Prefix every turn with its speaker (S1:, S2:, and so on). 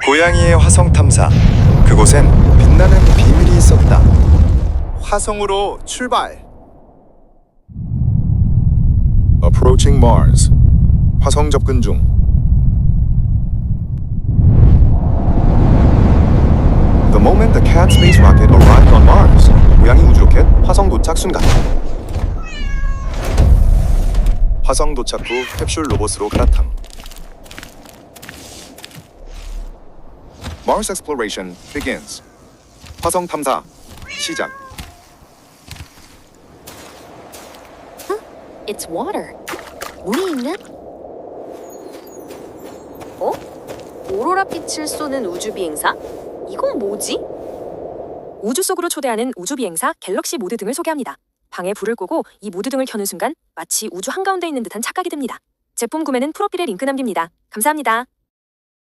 S1: 고양이의 화성 탐사. 그곳엔 빛나는 비밀이 있었다.
S2: 화성으로 출발.
S3: Approaching Mars. 화성 접근 중.
S2: The moment the cat space rocket arrived on Mars. 고양이 우주 로켓 화성 도착 순간. 화성 도착 후 캡슐 로봇으로 갈아탐. Mars exploration begins. 화성 탐사 시작.
S4: It's water. 물이 있는? 어? 오로라 빛을 쏘는 우주 비행사? 이건 뭐지?
S5: 우주 속으로 초대하는 우주 비행사 갤럭시 모드 등을 소개합니다. 방에 불을 끄고 이 모드 등을 켜는 순간 마치 우주 한가운데 있는 듯한 착각이 듭니다. 제품 구매는 프로필에 링크 남깁니다. 감사합니다.